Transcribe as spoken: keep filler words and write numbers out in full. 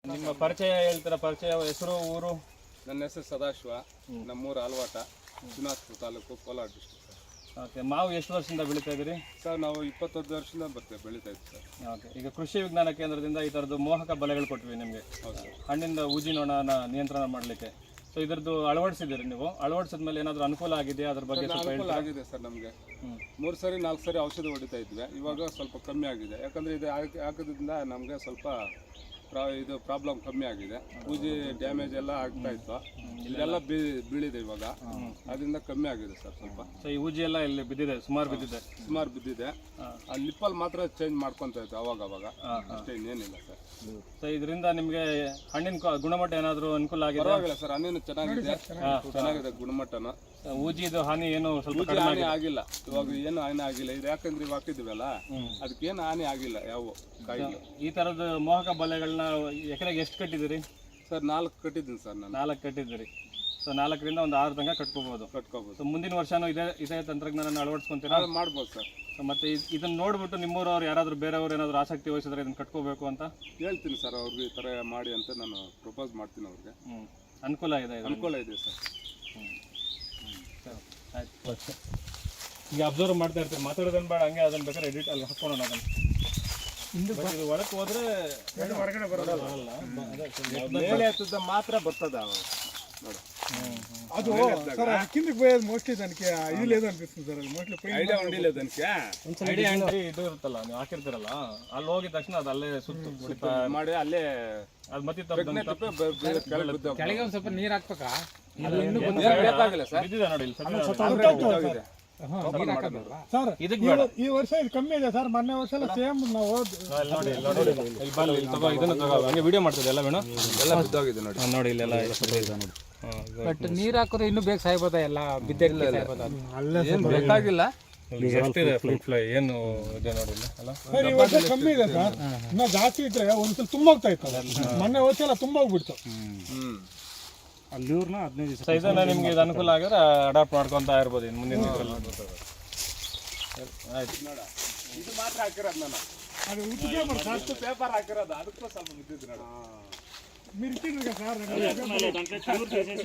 ನಿಮ್ಮ ಪರಿಚಯ ಹೇಳ್ತೀರಾ? ಪರಿಚಯ, ಹೆಸರು, ಊರು? ನನ್ನ ಹೆಸರು ಸದಾಶಿವ, ನಮ್ಮೂರು Alvata, Shivanathpura taluk, Kolar district sir. Okay. ಮಾವು ಎಷ್ಟು ವರ್ಷದಿಂದ ಬೆಳೀತಾ ಇದ್ದೀರಿ ಸರ್? ನಾವು ಇಪ್ಪತ್ತೊಂದು ವರ್ಷದಿಂದ ಬರ್ತೇವೆ ಬೆಳೀತಾ ಇದ್ದೀವಿ ಸರ್. ಓಕೆ. ಈಗ ಕೃಷಿ ವಿಜ್ಞಾನ ಕೇಂದ್ರದಿಂದ ಈ ಥರದ್ದು ಮೋಹಕ ಬಲೆಗಳು ಕೊಟ್ವಿ ನಿಮಗೆ, ಹಣ್ಣಿಂದ ಊಜಿ ನೊಣನ ನಿಯಂತ್ರಣ ಮಾಡಲಿಕ್ಕೆ. ಸೊ ಇದರದ್ದು ಅಳವಡಿಸಿದ್ದೀರಿ ನೀವು? ಅಳವಡಿಸಿದ ಮೇಲೆ ಏನಾದರೂ ಅನುಕೂಲ ಆಗಿದೆಯಾ? ಅದ್ರ ಬಗ್ಗೆ ಸ್ವಲ್ಪ ಅನುಕೂಲ ಆಗಿದೆ ಸರ್. ನಮಗೆ ಮೂರು ಸರಿ ನಾಲ್ಕು ಸರಿ ಔಷಧಿ ಹೊಡಿತಾ ಇದ್ವಿ, ಇವಾಗ ಸ್ವಲ್ಪ ಕಮ್ಮಿ ಆಗಿದೆ. ಯಾಕಂದರೆ ಇದು ಹಾಕಿ ಹಾಕೋದ್ರಿಂದ ನಮಗೆ ಸ್ವಲ್ಪ ಪ್ರಾ ಇದು ಪ್ರಾಬ್ಲಮ್ ಕಮ್ಮಿ ಆಗಿದೆ. ಪೂಜೆ ಡ್ಯಾಮೇಜ್ ಎಲ್ಲ ಆಗ್ತಾ ಇತ್ತು, ಇದೆಲ್ಲ ಬೀ ಬೀಳಿದೆ ಇವಾಗ, ಅದರಿಂದ ಕಮ್ಮಿ ಆಗಿದೆ ಸರ್ ಸ್ವಲ್ಪ. ಸೊ ಈ ಊಜಿ ಎಲ್ಲ ಇಲ್ಲಿ ಬಿದ್ದಿದೆ, ಸುಮಾರು ಬಿದ್ದಿದೆ ಸುಮಾರು ಬಿದ್ದಿದೆ. ಆ ಲಿಪ್ಪಲ್ಲಿ ಮಾತ್ರ ಚೇಂಜ್ ಮಾಡ್ಕೊತಾ ಇತ್ತು ಅವಾಗ ಅವಾಗ, ಅಷ್ಟೇ, ಇನ್ನೇನಿಲ್ಲ ಸರ್. ಸೊ ಇದರಿಂದ ನಿಮಗೆ ಹಣ್ಣಿನ ಕ- ಗುಣಮಟ್ಟ ಏನಾದರೂ ಅನುಕೂಲ ಆಗಿದೆ? ಪರವಾಗಿಲ್ಲ ಸರ್, ಹಣ್ಣಿನ ಚೆನ್ನಾಗಿದೆ, ಚೆನ್ನಾಗಿದೆ ಗುಣಮಟ್ಟನ. ಊಜಿದು ಹಾನಿ ಏನು ಸ್ವಲ್ಪ ಪೂಜೆ ಹಾನಿ ಆಗಿಲ್ಲ, ಇವಾಗ ಏನು ಹಾನಿ ಆಗಿಲ್ಲ. ಇದು ಯಾಕಂದ್ರೆ ಇವಾಗ ಹಾಕಿದ್ವಲ್ಲ, ಅದಕ್ಕೇನು ಹಾನಿ ಆಗಿಲ್ಲ ಯಾವ ಕಾಯಿಲೆ. ಈ ಥರದ ಮೋಹಕ ಬಲೆಗಳನ್ನ ಎಕರೆಗೆ ಎಷ್ಟು ಕಟ್ಟಿದ್ದೀರಿ ಸರ್? ನಾಲ್ಕು ಕಟ್ಟಿದ್ದೀನಿ ಸರ್ ನಾನು. ನಾಲ್ಕು ಕಟ್ಟಿದ್ದೀರಿ. ಸೊ ನಾಲ್ಕರಿಂದ ಒಂದು ಆರು ತನಕ ಕಟ್ಕೋಬಹುದು. ಕಟ್ಕೋಬೋದು. ಸೊ ಮುಂದಿನ ವರ್ಷನೂ ಇದೇ ಇದೇ ತಂತ್ರಜ್ಞಾನ ಅಳವಡಿಸ್ಕೊಂತೀರಾ? ಮಾಡ್ಬೋದು ಸರ್. ಸೊ ಮತ್ತೆ ಇದ್- ಇದನ್ನ ನೋಡ್ಬಿಟ್ಟು ನಿಮ್ಮೂರವ್ರು ಯಾರಾದರೂ ಬೇರೆಯವ್ರು ಏನಾದರೂ ಆಸಕ್ತಿ ವಹಿಸಿದ್ರೆ ಇದನ್ನ ಕಟ್ಕೋಬೇಕು ಅಂತ ಹೇಳ್ತೀನಿ ಸರ್ ಅವ್ರಿಗೆ, ಈ ಥರ ಮಾಡಿ ಅಂತ ನಾನು ಪ್ರಪೋಸ್ ಮಾಡ್ತೀನಿ ಅವ್ರಿಗೆ. ಹ್ಞೂ ಅನುಕೂಲ ಇದೆ ಇದು. ಅನುಕೂಲ ಇದೆ ಸರ್. ಆಯ್ತು. ಈಗ ಅಬ್ಸರ್ವ್ ಮಾಡ್ತಾ ಇರ್ತೀರಿ, ಮಾತಾಡೋದನ್ನ ಬೇಡ, ಹಂಗೆ ಅದನ್ನ ಬೇಕಾದ್ರೆ ಎಡಿಟ್ ಅಲ್ಲಿ ಹಾಕೋಣ ಅದನ್ನು. But ಇದು ಒಳಕ್ಕೆ ಹೋದ್ರೆ ಹೊರಗಡೆ ಬರೋದಲ್ಲ, ಮೇಲೆ ಹತ್ತದ ಮಾತ್ರ ಬರ್ತದ ನೋಡಿ. ಅದು ಸರ್ ಕಿಂದಕ್ಕೆ పోయేది మోస్ట్లీ దానికి ఇది లేదు అనిపిస్తుంది సార్. అది మోస్ట్లీ ಐಡಿಯಾ ಹೊಂದಿಲ್ಲ ಅದಕ್ಕೆ. ಐಡಿಯಾ ಎಂಟ್ರಿ ಇದು ಇರುತ್ತಲ್ಲ, ನೀವು ಹಾಕಿರ್ತೀರಲ್ಲ, ಅಲ್ಲಿ ಹೋಗಿದ ತಕ್ಷಣ ಅದು ಅಲ್ಲೇ ಸುತ್ತು ಹೊಡಿತಾ ಮಾಡಿ ಅಲ್ಲೇ ಅದು ಮತ್ತೆ ಕೆಳಗೆ ಒಂದು ಸ್ವಲ್ಪ ನೀರು ಹಾಕ್ಬೇಕಾ? ಬೇಕಾಗಿಲ್ಲ ಸರ್. ಬಿದ್ದಿದೆ ನೋಡಿ ಇಲ್ಲಿ ಸದ್ಯ ಬಿದ್ದೋಗಿದೆ. ಸರ್ ಇದಕ್ಕೆ ಬೇಡ. ಈ ವರ್ಷ ಇದು ಕಮ್ಮಿ ಇದೆ ಸರ್. ಮೊನ್ನೆ ವರ್ಷ ಎಲ್ಲ ಸೇಮ್ ನಾವು ಇಲ್ಲಿ ನೋಡಿ, ಇಲ್ಲಿ ನೋಡಿ, ಇಲ್ಲಿ ಬಾ, ಇಲ್ಲಿ ತಗೋ, ಇದನ್ನ ತಗೋ, ಹಂಗೆ ವಿಡಿಯೋ ಮಾಡ್ತಿದ್ದೆ ಎಲ್ಲ ಬೇಡ, ಎಲ್ಲ ಬಿದ್ದೋಗಿದೆ ನೋಡಿ. ನೋಡಿ ಇಲ್ಲೆಲ್ಲ ಇದೆ ನೋಡಿ. ಬಟ್ ನೀರು ಹಾಕಿದ್ರೆ ಇನ್ನೂ ಬೇಗ ಸಾಯ್ಬೋದಾ? ಎಲ್ಲ ಬಿದ್ದ ಏನು ಬೇಕಾಗಿಲ್ಲ. ಎಷ್ಟಿದೆ ಫ್ರೂಟ್ ಫ್ಲೈ ಏನು ಇದೆ ನೋಡಿ ಇಲ್ಲಿ ಅಲ್ಲ. ಸರ್ ಈ ವರ್ಷ ಕಮ್ಮಿ ಇದೆ ಸರ್. ಇನ್ನ ಜಾಸ್ತಿ ಇದ್ರೆ ಒಂದ್ಸಲ ತುಂಬ ಹೋಗ್ತಾ ಇತ್ತು. ಮೊನ್ನೆ ವರ್ಷ ಎಲ್ಲ ತುಂಬ ಹೋಗ್ಬಿಡ್ತು. ಹ್ಮ್ ಅಲ್ಲಿವ್ರನ್ನ ಹದಿನೈದು ಸೊ ಇದನ್ನ ನಿಮ್ಗೆ ಇದು ಅನುಕೂಲ ಆಗಿದ್ರೆ ಅಡಾಪ್ಟ್ ಮಾಡ್ಕೊತಾ ಇರ್ಬೋದು ಇನ್ನು ಮುಂದಿನ ಇದರಲ್ಲಿ. ಆಯ್ತು. ಇದು ಮಾತ್ರ ಹಾಕಿರೋದು ನಾನು. ಅದು ಉತ್ತಿಗೆ ಮಾಡಿ ಸರ್. ಅಷ್ಟು ಪೇಪರ್ ಹಾಕಿರೋದು, ಅದಕ್ಕೂ ಸ್ವಲ್ಪ ಬಿದ್ದಿದ್ದು ನೋಡ. మీరు ఇచ్చిండ్రు కదా సార్